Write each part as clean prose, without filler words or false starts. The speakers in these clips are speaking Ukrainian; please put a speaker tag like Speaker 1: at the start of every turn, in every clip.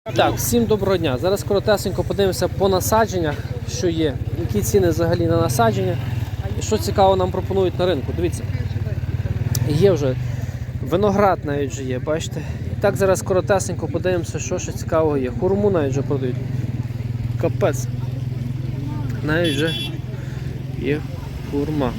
Speaker 1: Так, всім доброго дня. Зараз коротесенько подивимося по насадженнях, що є, які ціни взагалі на насадження і що цікаво нам пропонують на ринку. Дивіться, є вже виноград навіть вже є, бачите. І так зараз коротесенько подивимося, що ще цікавого є. Хурму навіть вже продають. Капець. Навіть вже є хурма.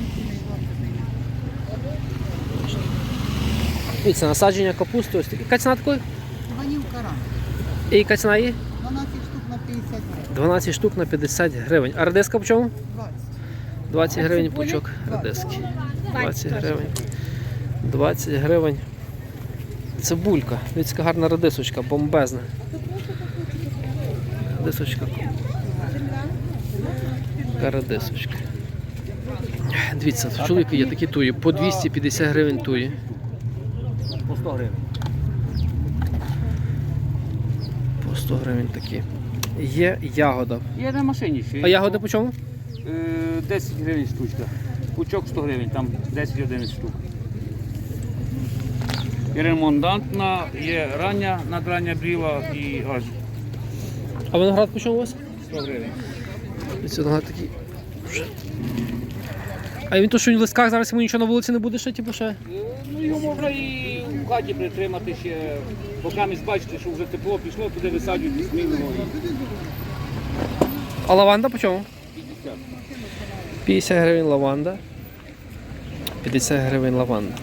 Speaker 1: Дивіться, насадження капусти ось такі. Яка ціна такої?
Speaker 2: Ванілка рано.
Speaker 1: І яка ціна є?
Speaker 2: 12 штук на 50 гривень.
Speaker 1: 12 штук на 50 гривень. А редиска по чому?
Speaker 2: 20.
Speaker 1: 20 гривень пучок редиски. 20 гривень. 20 гривень. Цибулька. Дивіться, гарна редисочка, бомбезна. Редисочка. Така редисочка. Дивіться, в чоловіка є такі туї. По 250 гривень туї.
Speaker 3: По 100 гривень.
Speaker 1: По 100 гривень такі. Є ягода.
Speaker 3: Є на машині ще.
Speaker 1: А ягоди по чому?
Speaker 3: 10 гривень штучка. Пучок 100 гривень, там 10-11 штук. Є ремонтантна, є рання, надрання бріла і аж
Speaker 1: А виноград по чому у вас?
Speaker 3: 100 гривень.
Speaker 1: Дивіться, виноград такий. А він то, що він в листках, зараз йому нічого на вулиці не буде ще, типу ще?
Speaker 3: Ну його можна і в хаті притримати ще, поки ми бачите, що вже тепло пішло, туди висаджують смілого.
Speaker 1: А лаванда по чому?
Speaker 3: 50.
Speaker 1: 50 гривень лаванда. 50 гривень лаванда.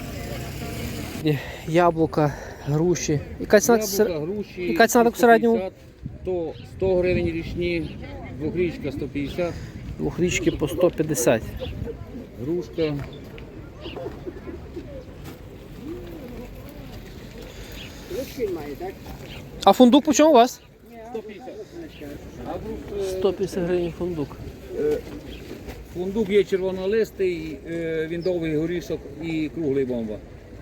Speaker 1: Яблука, груші. Яка ціна?
Speaker 3: Яблука, груші,
Speaker 1: яка ціна так в середньому?
Speaker 3: 150, то 100 гривень річні, двохрічка 150,
Speaker 1: Двохрічки по 150.
Speaker 3: грушка.
Speaker 1: А фундук по чому у вас?
Speaker 3: 150. А груш,
Speaker 1: 150 гривень фундук.
Speaker 3: фундук є червонолистий, він довгий горішок і круглий бомба.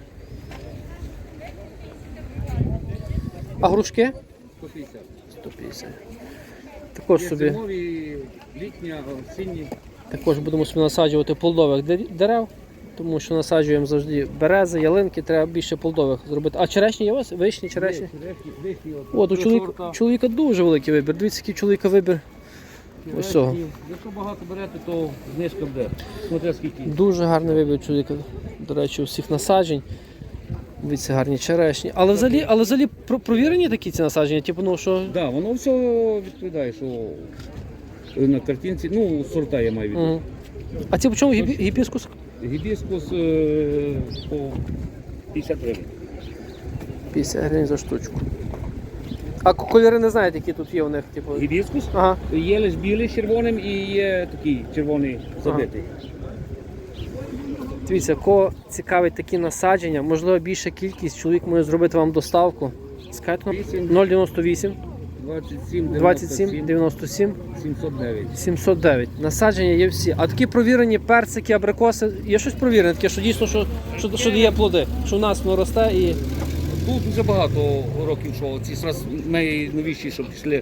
Speaker 1: А грушки?
Speaker 3: 150.
Speaker 1: 150. Також
Speaker 3: Є
Speaker 1: собі,
Speaker 3: зимові, літня, осінні.
Speaker 1: також будемо собі насаджувати плодових дерев, тому що насаджуємо завжди берези, ялинки, треба більше плодових зробити. А черешні є у вас? Вишні, черешні? От, у чоловіка дуже великий вибір. Дивіться, який у чоловіка вибір. Ось цього.
Speaker 3: Якщо багато берете, то знижка буде. Смотря скільки.
Speaker 1: Дуже гарний вибір у чоловіка, до речі, усіх насаджень. Дивіться, гарні черешні. Але взагалі провірені такі ці насадження? Типу, ну, що...
Speaker 3: Да, воно все відповідає, що на картинці, ну, сорта я маю відповідь.
Speaker 1: А ці по чому гібіскус?
Speaker 3: Гібіскус по 50 гривень.
Speaker 1: 50 гривень за штучку. А кольори не знаєте, які тут є у них? Типу...
Speaker 3: Гібіскус?
Speaker 1: Ага.
Speaker 3: Є лише білий з червоним і є такий червоний забитий.
Speaker 1: Дивіться, кого цікавить такі насадження, можливо більша кількість, чоловік може зробити вам доставку. Скажіть, 098 27 97
Speaker 3: 709.
Speaker 1: 709. Насадження є всі. А такі провірені персики, абрикоси, є щось провірене, таке, що дійсно, що дає плоди, що в нас воно росте і...
Speaker 3: Тут дуже багато років, що ці зараз найновіші, що пішли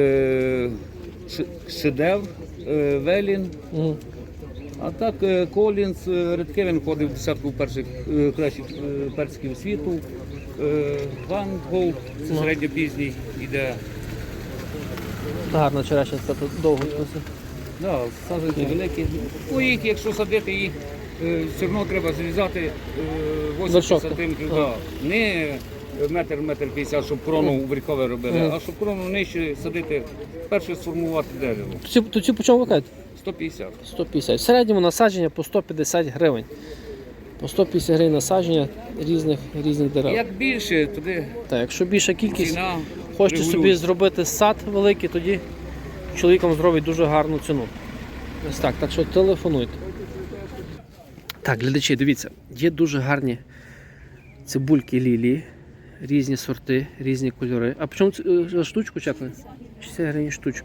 Speaker 3: шедевр, Велін.
Speaker 1: Угу.
Speaker 3: А так Колінс, Редкевін входив в десятку перших кращих персиків світу. Ван Гол, це середньопізній, іде.
Speaker 1: Гарна черешня, це тут довго.
Speaker 3: Да, саджанці великі. Ну, їх, якщо садити, їх все одно треба зрізати 80 сантиметрів. Да. Не метр 50, щоб крону варікове робили, а щоб крону нижче садити, перше сформувати дерево.
Speaker 1: То ці по чому ви кажете?
Speaker 3: 150.
Speaker 1: 150. В середньому насадження по 150 гривень. По 150 гривень насадження різних дерев.
Speaker 3: Як більше, тоді
Speaker 1: Так, якщо більша кількість,
Speaker 3: ціна
Speaker 1: хочете собі
Speaker 3: регулюється.
Speaker 1: зробити сад великий, тоді чоловікам зробить дуже гарну ціну. Ось так, так що телефонуйте. Так, глядачі, дивіться, є дуже гарні цибульки лілії, різні сорти, різні кольори. А по чому за штучку чекали? 60 гривень штучка.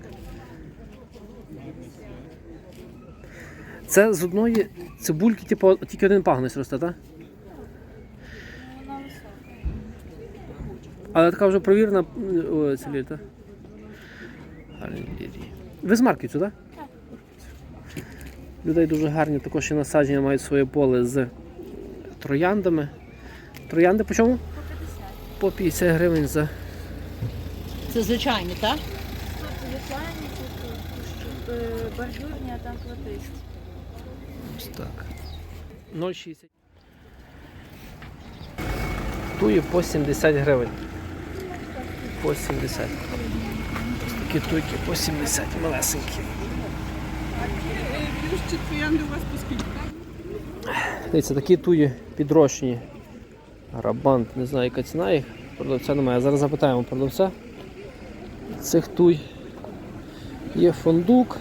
Speaker 1: Це з одної цибульки, типу, тільки один пагонець росте, так? Але така вже провірена ця лілія, так? Гарні лілії. Ви з Марківцю, так? Так. Людей дуже гарні, також і насадження мають своє поле з трояндами. Троянди по чому? По 50 гривень за
Speaker 2: Це звичайні, так?
Speaker 4: Звичайні, тут бордюрні, а там платисті.
Speaker 1: Ось так. 0,60. Туї по 70 гривень. По 70. Ось такі туйки по 70, малесенькі. Дивіться, такі туї підрощені. Рабант, не знаю, яка ціна їх. Продавця немає. Зараз запитаємо продавця. Цих туй є фундук.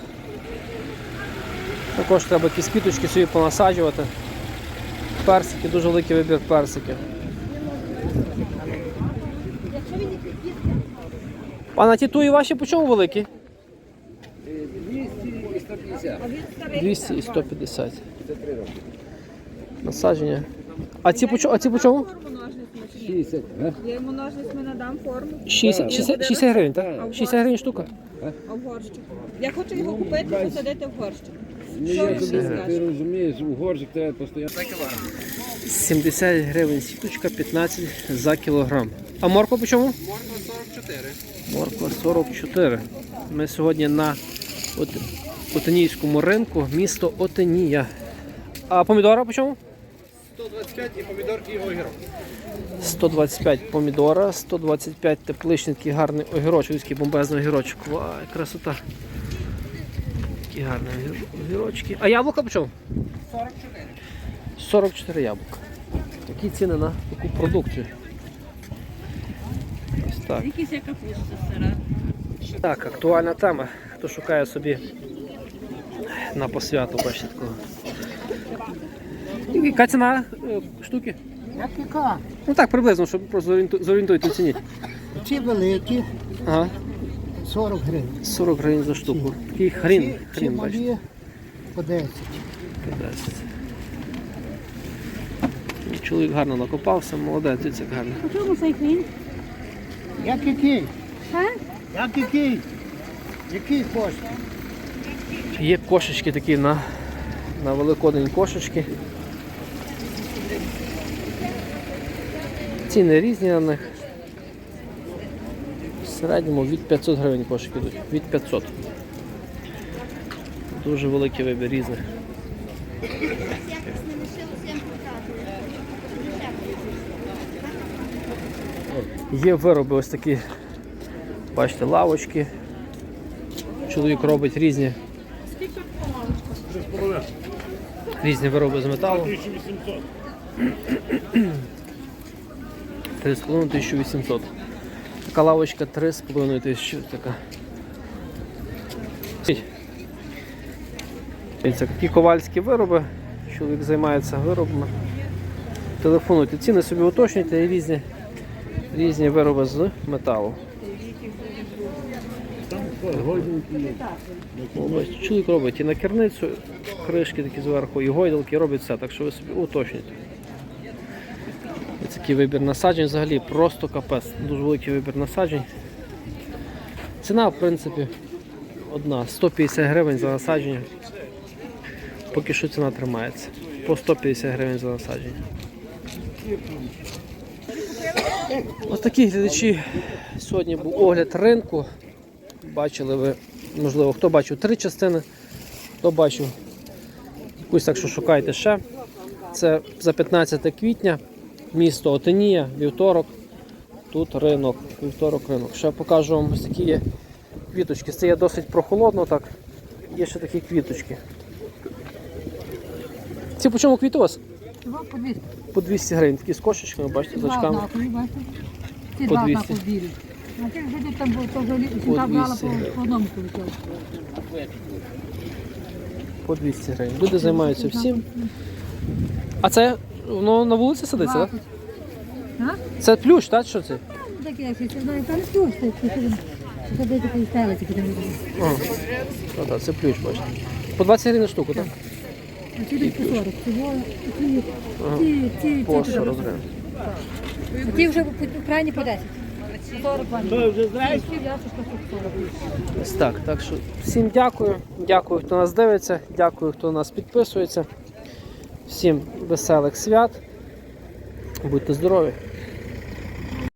Speaker 1: Також треба якісь квіточки собі понасаджувати. Персики, дуже великий вибір персиків. Пане, ті туї ваші по чому великі?
Speaker 3: 200 і 150.
Speaker 1: 200 і 150. Насадження. А ці по чому?
Speaker 3: 60.
Speaker 5: Я йому ножницями надам форму,
Speaker 1: 60 гривень, так? 60 гривень штука.
Speaker 5: а в горщик. Я хочу його купити і посадити в горщик.
Speaker 3: Ти розумієш, у горщик треба постійно.
Speaker 1: 70 гривень сіточка, 15 за кілограм. А морква по чому?
Speaker 6: Морква 44.
Speaker 1: Морква 44. Ми сьогодні на Отинійському ринку, місто Отинія. А помідора по чому?
Speaker 6: 125 і помідорки і огірок.
Speaker 1: 125 помідора, 125 тепличний, такий гарний огірочок, такий бомбезний огірочок. Вай, красота. Такі гарні огірочки. А яблука по чому?
Speaker 6: 44.
Speaker 1: 44 яблука. Такі ціни на таку продукцію. Ось так.
Speaker 5: Якісь є капуста сира.
Speaker 1: Так, актуальна тема. Хто шукає собі на посвяту, бачите такого. Яка ціна штуки?
Speaker 2: Як яка?
Speaker 1: Ну так, приблизно, щоб просто зорієнтуйте в ціні.
Speaker 2: Ці великі,
Speaker 1: Ага,
Speaker 2: 40 гривень.
Speaker 1: 40 гривень за штуку. Такий хрін,
Speaker 2: Ці
Speaker 1: бачите.
Speaker 2: малі по 10.
Speaker 1: 10. Чоловік гарно накопався, молодець, дивіться, як гарно.
Speaker 5: У чому цей хрін?
Speaker 2: Як який? Як який? Який хочете?
Speaker 1: Є кошечки такі на Великодень кошечки. Ціни різні на них. В середньому від 500 гривень кошики йдуть. Від 500. Дуже великий вибір різних. Є вироби ось такі, бачите, лавочки. Чоловік робить різні вироби з металу. 3,5 1800. Така лавочка 3,5 тисячі. Така. Дивіться, такі ковальські вироби. Чоловік займається виробами. Телефонуйте, ціни собі уточнюйте і різні вироби з металу. Чоловік робить і накірницю, кришки такі зверху, і гойдалки, робить все, так що ви собі уточнюйте. Ось такий вибір насаджень взагалі просто капець, дуже великий вибір насаджень. Ціна, в принципі, одна, 150 гривень за насадження. Поки що ціна тримається, по 150 гривень за насадження. Ось такі глядачі, сьогодні був огляд ринку. Бачили ви, можливо, хто бачив 3 частини, хто бачив якусь, так що шукайте ще. Це за 15 квітня, місто Отинія, вівторок, тут ринок, вівторок ринок. Ще покажу вам ось такі є квіточки. Це є досить прохолодно, так, є ще такі квіточки. Ці по чому квіти у вас?
Speaker 2: По 200.
Speaker 1: По 200 гривень, такі з кошечками, бачите, з очками.
Speaker 2: Ці
Speaker 1: По
Speaker 2: два
Speaker 1: 200.
Speaker 2: знаку білі. А ті вже там було, то вже
Speaker 1: По
Speaker 2: сюди брала
Speaker 1: 200
Speaker 2: по одному полетіло.
Speaker 1: По 200 гривень. Люди займаються всім. А це воно на вулиці садиться, так? Це плющ, так? Що це?
Speaker 2: Таке, якщо це знаю, там плюс, це де такий стелець, який там є.
Speaker 1: Ага. Ну, так, це плющ, бачите. По 20 гривень штуку, так?
Speaker 2: А ці десь по 40. Ці
Speaker 1: По 40 гривень.
Speaker 2: А ті вже крайні по 10. 40 вам. Що, вже знаєш?
Speaker 1: Ось так. Так що всім дякую. Дякую, хто нас дивиться. Дякую, хто нас підписується. Всім веселих свят. Будьте здорові.